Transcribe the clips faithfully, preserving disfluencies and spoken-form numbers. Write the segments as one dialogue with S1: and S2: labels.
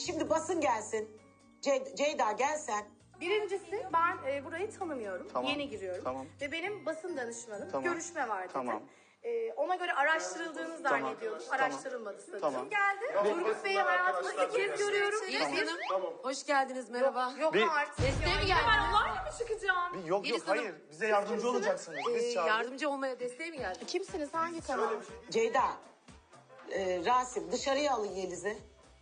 S1: şimdi basın gelsin. Ce- Ceyda gelsen.
S2: Birincisi ben e, burayı tanımıyorum.
S3: Tamam,
S2: Yeni giriyorum.
S3: tamam.
S2: Ve benim basın danışmanım
S3: Tamam,
S2: görüşme var dedi.
S3: tamam.
S2: E, ona göre araştırıldığını
S3: Tamam,
S2: zannediyorum.
S3: tamam.
S2: Araştırılmadı statüm
S3: Tamam.
S2: geldi. Turgut Bey'i hayatımda ilk kez görüyorum.
S4: Yeliz Hanım, hoş geldiniz, merhaba.
S2: Yok
S3: Bir-
S2: artık.
S4: Desteğe mi
S2: Ya,
S4: geldiniz?
S2: Ben onlarla mı çıkacağım?
S3: Bir yok
S4: Yeliz
S3: yok
S4: Hanım.
S3: hayır. Bize yardımcı olacaksınız.
S4: Ee,
S3: Biz çağırdık.
S4: yardımcı olmaya desteğe mi geldiniz?
S2: Kimsiniz? Hangi kanal?
S1: Ceyda, e, Rasim dışarıya alın Yeliz'i.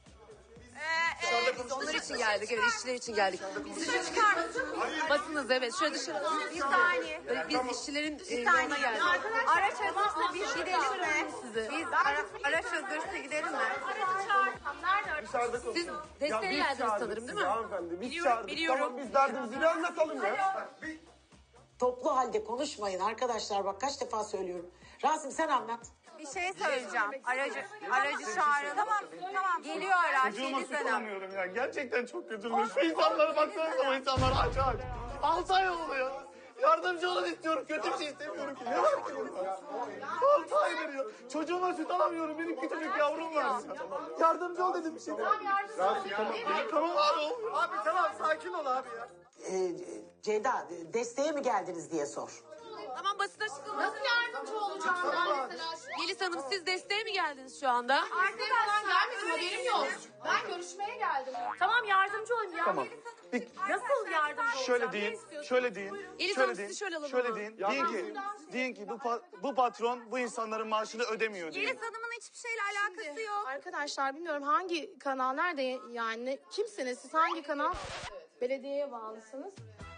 S4: Biz onlar için geldik, evet işçiler için geldik. Dışarı çıkar mısın? Basınız evet, şöyle dışarı.
S2: Bir saniye.
S4: Ee, Biz işçilerin e,
S2: Bir
S4: yanına
S2: saniye.
S4: geldik.
S2: Arkadaşlar araç hazırsa biz gidelim mi?
S4: Sizi.
S2: Biz ara, araç hazırsa gidelim mi? Aracı çağırsam nerede araç?
S4: Siz desteğe geldiniz sanırım değil mi?
S5: Hanımefendi biz
S4: Biliyorum,
S5: çağırdık.
S4: biliyorum.
S5: Tamam biz derdimizi bir anlatalım ya.
S1: Toplu halde konuşmayın arkadaşlar, bak kaç defa söylüyorum. Rasim sen anlat.
S6: Bir şey söyleyeceğim. Aracı aracı çağırın. Tamam, tamam. Geliyor araç.
S3: Çocuğuma
S6: Yeliz Hanım.
S3: tutamıyorum ya. Gerçekten çok kötü. Şu insanlara baksanıza, o insanlar aç aç. Altı ay oldu ya. Yardımcı olun istiyorum. Kötü bir şey istemiyorum ki. Ne var ki bunda? Altı aydır ya. Çocuğuma süt alamıyorum. Benim küçücük yavrum var ya. Yardımcı ol dedim bir şey. Tamam yardımcı ol. Tamam abi olmuyor.
S5: Abi tamam sakin ol abi ya.
S1: E, Ceyda, e, desteğe mi geldiniz diye sor.
S4: Tamam basın açıklaması.
S2: Nasıl yardımcı olacağım ben mesela?
S4: Yeliz Hanım siz desteğe mi geldiniz şu anda?
S2: Artık falan gelmedim, haberim yok. Ben görüşmeye geldim. Tamam yardımcı olayım ya.
S3: Tamam. Bir,
S2: Nasıl yardımcı olacağım?
S3: şöyle
S2: Ne
S3: deyin,
S2: istiyorsun?
S3: şöyle deyin,
S4: Yeliz
S3: şöyle
S4: Hanım,
S3: deyin,
S4: sizi şöyle alalım
S3: şöyle
S4: ama.
S3: deyin. Deyin ki, deyin ki bu, pa- bu patron bu insanların maaşını ödemiyor deyin.
S6: Yeliz Hanım'ın hiçbir şeyle alakası yok.
S2: Arkadaşlar bilmiyorum hangi kanal nerede yani kimsiniz siz hangi kanal? Belediyeye bağlısınız.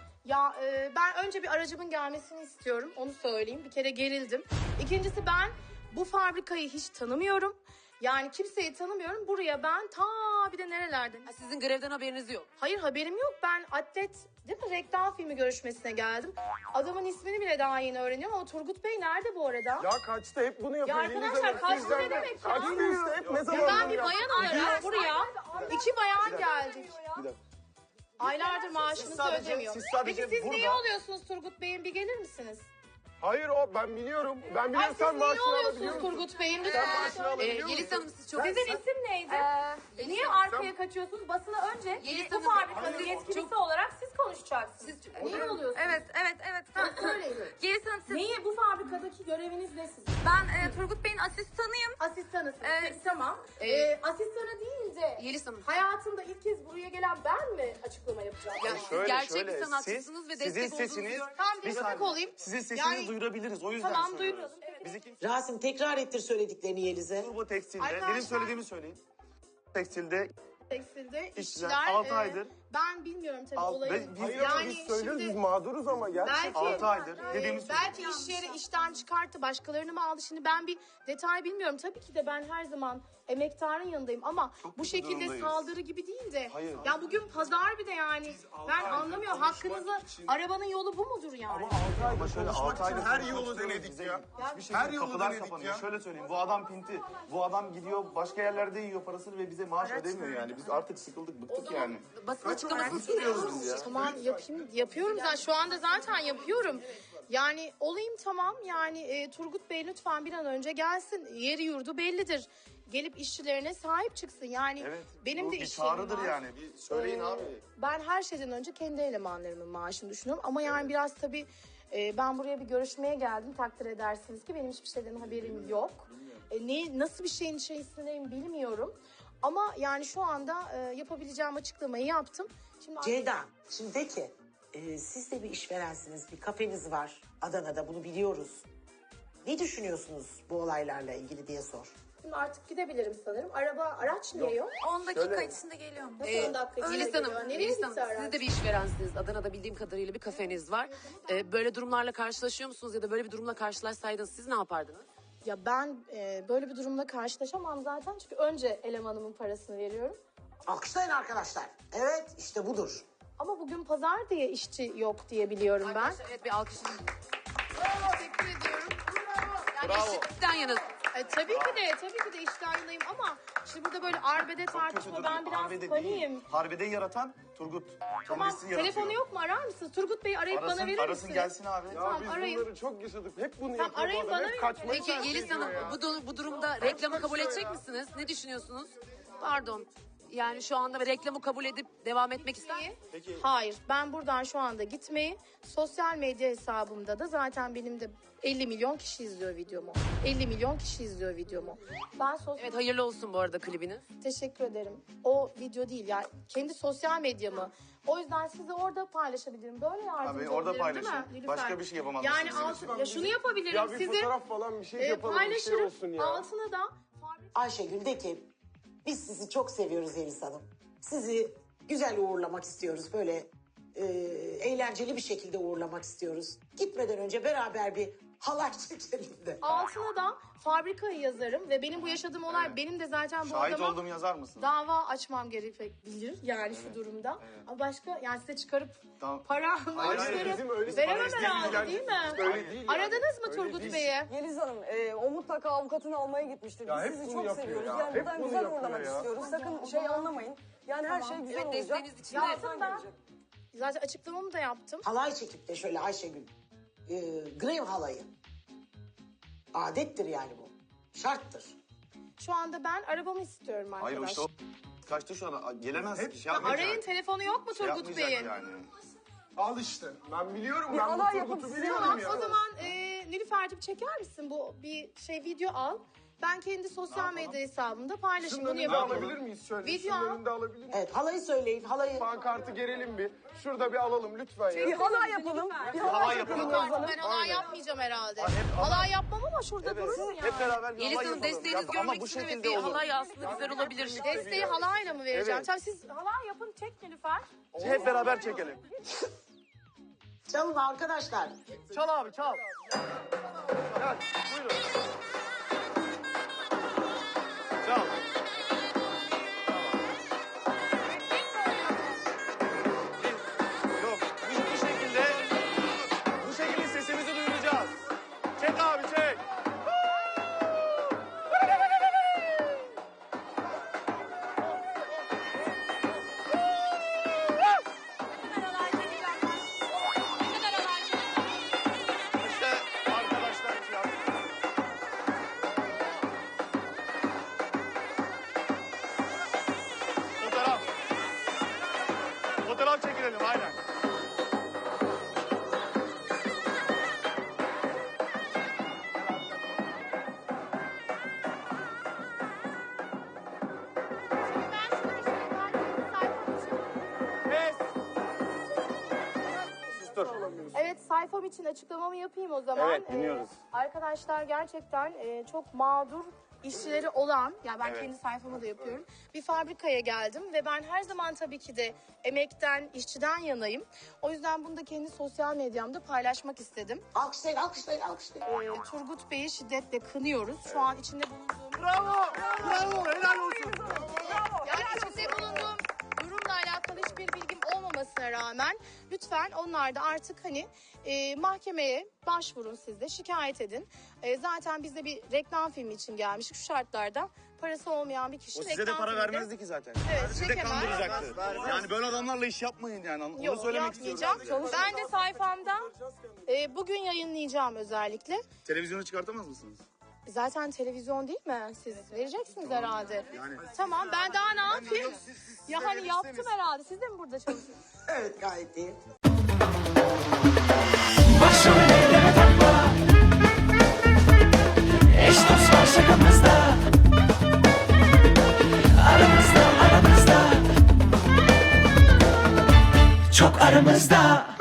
S2: Ya e, ben önce bir aracımın gelmesini istiyorum onu söyleyeyim bir kere gerildim. İkincisi ben bu fabrikayı hiç tanımıyorum. Yani kimseyi tanımıyorum. Buraya ben ta bir de nerelerden?
S4: Ha, sizin grevden haberiniz yok.
S2: Hayır haberim yok. Ben atlet değil mi reklam filmi görüşmesine geldim. Adamın ismini bile daha yeni öğreniyorum ama Turgut Bey nerede bu arada?
S5: Ya kaçta hep bunu yapıyor.
S2: Ya
S5: Yeliz
S2: arkadaşlar,
S5: Hanım.
S2: kaçtı
S5: Sizden
S2: ne
S5: de-
S2: demek ya?
S5: Kaçtı işte hep ne
S2: Ya
S5: zaman
S2: ben
S5: bunu
S2: bir
S5: yap-
S2: bayan olarak buraya iki bayan geldik.
S3: Bir dakika.
S2: Aylardır maaşınızı
S3: sadece-
S2: ödemiyor.
S3: siz sadece
S2: Peki siz
S3: burada-
S2: niye oluyorsunuz Turgut Bey'in? Bir gelir misiniz?
S5: Hayır o ben biliyorum. Ben
S2: Ay
S5: biliyorum
S2: siz
S5: sen
S2: niye
S5: maaşını alabiliyor
S2: oluyorsunuz
S5: musun?
S2: Turgut Bey'in?
S5: Sen
S2: Lütfen.
S5: maaşını
S4: Ee,
S5: alabiliyor musun?
S4: Yeliz Hanım siz çok...
S2: Sizin isim neydi?
S6: Ee,
S2: Niye arkaya kaçıyorsunuz? Basına önce
S4: Yeliz
S2: bu
S4: Hanım,
S2: fabrikanın
S4: hayır,
S2: yetkilisi
S4: çok-
S2: olarak siz konuşacaksınız.
S4: Siz-
S2: Niye oluyorsunuz?
S6: evet, evet, evet. Tamam.
S2: Söyleyin.
S6: Yeliz Hanım siz...
S2: Neyi bu fabrikadaki göreviniz ne sizin?
S6: Ben e, Turgut Bey'in asistanıyım.
S2: Asistanısınız.
S6: Evet.
S2: Peki, tamam.
S4: Ee,
S2: Ee, asistanı değil de
S4: Yeliz Hanım.
S2: hayatımda ilk kez buraya gelen ben mi açıklama yapacağım?
S4: Ya,
S2: Yani-
S4: siz gerçek bir sanatçısınız ve
S3: sizin
S4: destek olduğunuzu
S3: sesiniz,
S4: görüyorum.
S2: Tamam,
S3: bir
S2: destek
S3: saniye.
S2: olayım.
S3: Sizin sesinizi
S2: Yani-
S3: duyurabiliriz, o yüzden
S2: Tamam,
S3: söylüyoruz.
S2: duyuralım. Evet.
S3: Bizi kim...
S1: Rasim tekrar ettir söylediklerini Yeliz'e.
S3: Turbo Tekstil'de,
S2: Arkadaşlar-
S3: benim söylediğimi söyleyin. Tekstilde
S2: Tekstilde
S3: İşçiler
S2: işçiler
S3: altı
S2: e,
S3: aydır.
S2: Ben bilmiyorum tabii
S3: Alt-
S2: olayı.
S3: ve biz-
S5: Hayır ama biz söylüyoruz biz mağduruz ama gerçekten.
S2: Belki,
S3: altı aydır
S2: e,
S3: dediğimiz
S2: belki iş yeri işten çıkarttı, başkalarını mı aldı? Şimdi ben bir detay bilmiyorum. Tabii ki de ben her zaman emektarın yanındayım ama bu
S3: kötü
S2: şekilde
S3: durumdayız.
S2: saldırı gibi değil de.
S3: Hayır.
S2: Ya bugün pazar bir de yani. Ben anlamıyorum. Hakkınızı arabanın yolu bu mudur yani?
S3: Ama şöyle altı aydır
S5: her yolu denedik
S3: bize
S5: ya.
S3: hiçbir şekilde
S5: Her yolu
S3: kapılar
S5: denedik
S3: kapanıyor.
S5: ya.
S3: Şöyle söyleyeyim, bu adam pinti. Bu adam gidiyor başka yerlerde yiyor parasını ve bize maaş ödemiyor yani. Biz artık sıkıldık, bıktık yani.
S4: Basın açıklamasını
S3: Tutuyoruz biz ya.
S2: Tamam yapayım yapıyorum zaten şu anda zaten yapıyorum. Yani olayım tamam yani e, Turgut Bey lütfen bir an önce gelsin. Yeri yurdu bellidir. Gelip işçilerine sahip çıksın. Yani
S3: Evet.
S2: benim
S3: bu
S2: de
S3: bir
S2: iş yerim
S3: çağrıdır
S2: var.
S3: yani. Bir söyleyin abi.
S2: Ben her şeyden önce kendi elemanlarımın maaşını düşünüyorum. Ama yani biraz tabii e, ben buraya bir görüşmeye geldim. Takdir edersiniz ki benim hiçbir şeyden haberim yok. E, ne nasıl bir şeyin içerisindeyim bilmiyorum. Ama yani şu anda e, yapabileceğim açıklamayı yaptım. Şimdi
S1: Ceyda, şimdi de ki e, siz de bir işverensiniz, bir kafeniz var Adana'da, bunu biliyoruz. Ne düşünüyorsunuz bu olaylarla ilgili diye sor.
S2: Şimdi artık gidebilirim sanırım. Araba, araç niye yok?
S6: on dakika içinde geliyorum.
S2: Nasıl
S4: Ee,
S2: on dakika içinde
S4: Yeliz
S2: geliyor?
S4: Hanım,
S2: Nereye
S4: Yeliz
S2: gitti
S4: Hanım
S2: araç?
S4: siz de bir işverensiniz. Adana'da bildiğim kadarıyla bir kafeniz var. Ee, böyle durumlarla karşılaşıyor musunuz ya da böyle bir durumla karşılaşsaydınız siz ne yapardınız?
S2: Ya ben e, böyle bir durumla karşılaşamam zaten. Çünkü önce elemanımın parasını veriyorum.
S1: Alkışlayın arkadaşlar. Evet, işte budur.
S2: Ama bugün pazar diye işçi yok diye biliyorum ben.
S4: Arkadaşlar, evet bir alkış.
S2: Teşekkür ediyorum.
S4: Yani
S3: Bravo.
S4: eşitlikten yana.
S2: E, tabii ki de, tabii ki de işten yanayım ama şimdi burada böyle arbede tartışma ben biraz
S3: Harbede
S2: paniğim.
S3: değil. Harbede yaratan Turgut.
S2: Tamam,
S3: Kendisi yaratıyor.
S2: telefonu yok mu arar mısınız? Turgut Bey arayıp
S3: Arasın,
S2: bana verir
S3: arasın
S2: misiniz?
S3: gelsin abi.
S5: Ya
S2: Tamam,
S5: biz
S2: arayın.
S5: bunları çok yaşadık. Hep bunu
S2: Tamam,
S5: yapıyor
S2: arayın,
S5: bu adam.
S2: bana
S5: Hep
S2: verin.
S5: kaçmayı
S4: Peki
S5: tercih
S4: Yeliz
S5: ediyor
S4: Hanım
S5: ya.
S4: bu, du- bu durumda reklamı kabul edecek misiniz? Ne düşünüyorsunuz? Pardon. yani şu anda reklamı kabul edip devam etmek ister misiniz?
S2: Hayır, ben buradan şu anda gitmeyi, sosyal medya hesabımda da zaten benim de elli milyon kişi izliyor videomu. elli milyon kişi izliyor videomu. Ben sosyal...
S4: Evet, hayırlı olsun bu arada klibiniz.
S2: Teşekkür ederim. O video değil ya, kendi sosyal medyamı. O yüzden sizi orada paylaşabilirim. Böyle yardımcı
S3: Abi orada
S2: olabilirim, değil mi
S3: paylaşın.
S2: Nilüfer?
S3: Başka bir şey yapamaz
S2: Yani
S3: mısınız?
S2: altı, ya şunu yapabilirim.
S5: Ya bir
S2: sizi
S5: fotoğraf falan bir şey
S2: e,
S5: yapalım, bir şey
S2: paylaşırım.
S5: olsun ya.
S2: Altına da fabrika-
S1: Ayşegül de ki biz sizi çok seviyoruz Elis Hanım. Sizi güzel uğurlamak istiyoruz. Böyle e, eğlenceli bir şekilde uğurlamak istiyoruz. Gitmeden önce beraber bir halay çekelim de.
S2: altına da fabrikayı yazarım ve benim bu yaşadığım olay benim de zaten bu
S3: Şahit
S2: adama
S3: olduğumu yazar mısın?
S2: dava açmam gerekebilir yani şu durumda. Ama başka yani size çıkarıp
S3: Tamam.
S2: para
S3: hayır,
S2: maaşları
S5: bizim öyle-
S2: veremem
S5: bizim
S2: herhalde değil mi?
S5: Öyle değil yani.
S2: Aradınız mı
S5: Öyle
S2: Turgut
S5: değil.
S2: Bey'i?
S7: Yeliz Hanım, e, o mutlaka avukatını almaya gitmiştir.
S5: Ya
S7: Biz
S5: hep
S7: sizi
S5: bunu
S7: çok
S5: yapıyor
S7: seviyoruz.
S5: ya.
S7: Yani
S5: Hep
S7: buradan
S5: bunu
S7: güzel
S5: yapıyor
S7: uğurlamak
S5: ya.
S7: istiyoruz. Sakın şey anlamayın. Yani her şey güzel
S4: Evet,
S7: olacak.
S4: desteğiniz için
S2: Ya
S4: de.
S2: aslında ben zaten açıklamamı da yaptım.
S1: Halay çekip de şöyle Ayşegül e, grev halayı. Adettir yani bu. Şarttır.
S2: Şu anda ben arabamı istiyorum arkadaş.
S3: Hayır işte o kaçtı şu an. Gelemez.
S5: Hep-
S3: Şey yapmayacak.
S2: Arayın, telefonu yok mu
S3: Şey
S2: Turgut
S3: yapmayacak
S2: Bey'in?
S3: yani.
S5: Al işte. Ben biliyorum.
S7: Bir
S5: Ben bu
S7: alay
S5: Turgut'u
S7: yapıp size
S5: biliyorum
S2: Tamam,
S5: ya.
S2: o zaman e, Nilüfer'cim çeker misin bu bir şey video al. Ben kendi sosyal medya hesabımda paylaşayım.
S5: Şunun
S2: Bunu
S5: önünde
S2: yapalım.
S5: alabilir miyiz şöyle?
S2: Video
S5: Şunun
S2: al.
S5: önünde alabilir miyiz?
S1: Evet halayı söyleyin. Halayı
S5: Pankartı gerelim bir. Şurada bir alalım lütfen
S7: Bir
S5: ya.
S7: halay yapalım. Bir halay
S3: Halay
S7: yapalım.
S3: yapalım.
S2: Yok artık ben halay yapmayacağım herhalde. Halay yapmam ama şurada durur ya.
S3: Hep beraber bir
S4: Yeliz
S3: halay
S4: Hanım,
S3: yapalım.
S4: desteğinizi
S3: Yap- Ama
S4: görmek
S3: bu
S4: için evet,
S3: şekilde
S4: bir
S3: olur.
S4: halay aslında güzel olabilir.
S2: Desteği halayla mı vereceğim?
S3: Evet.
S2: Tabii siz halay yapın, çek Nilüfer.
S3: Hep beraber çekelim.
S1: çalın arkadaşlar.
S3: Çal abi çal. Gel buyurun. Çal. Biz- Yok biz bu şekilde bu şekilde sesimizi duyuracağız. Çek abi çek. İşte arkadaşlar için yaptık. Fotoğraf. Fotoğraf çekilelim aynen. Pes. Sustur.
S2: Evet, sayfam için açıklamamı yapayım o zaman.
S3: Evet, dinliyoruz.
S2: Ee, arkadaşlar gerçekten e, çok mağdur işçileri olan, yani ben
S3: Evet.
S2: kendi sayfamı da yapıyorum. Bir fabrikaya geldim ve ben her zaman tabii ki de emekten, işçiden yanayım. O yüzden bunu da kendi sosyal medyamda paylaşmak istedim.
S1: Alkışlayın alkışlayın alkışlayın.
S2: Ee, Turgut Bey'i şiddetle kınıyoruz. Şu an içinde bulunduğum...
S3: Bravo. Bravo. Helal olsun.
S2: Yani içinde bulunduğum durumla alakalı hiçbir bilgim olmamasına rağmen lütfen onlar da artık hani e, mahkemeye başvurun, siz de şikayet edin. E, zaten biz de bir reklam filmi için gelmiştik. Şu şartlarda parası olmayan bir kişi
S3: O size de
S2: reklam
S3: para
S2: filminde-
S3: vermezdi ki zaten.
S2: Evet,
S3: Sizi de
S2: çekemez.
S3: kandıracaktı. Yani böyle adamlarla iş yapmayın yani. Onu
S2: Yok,
S3: söylemek istiyorum.
S2: yapmayacağım. Ben de sayfamda e, bugün yayınlayacağım özellikle.
S3: Televizyonu çıkartamaz mısınız?
S2: Zaten televizyon değil mi? Siz vereceksiniz herhalde.
S3: Yani.
S2: Tamam, ben daha ne yapayım? Ya hani yaptım herhalde. Siz de mi burada çalışıyorsunuz?
S1: Evet gayet iyi.
S8: Başrol eyleme takla. Eş dost var şakamızda. Aramızda aramızda. Çok aramızda.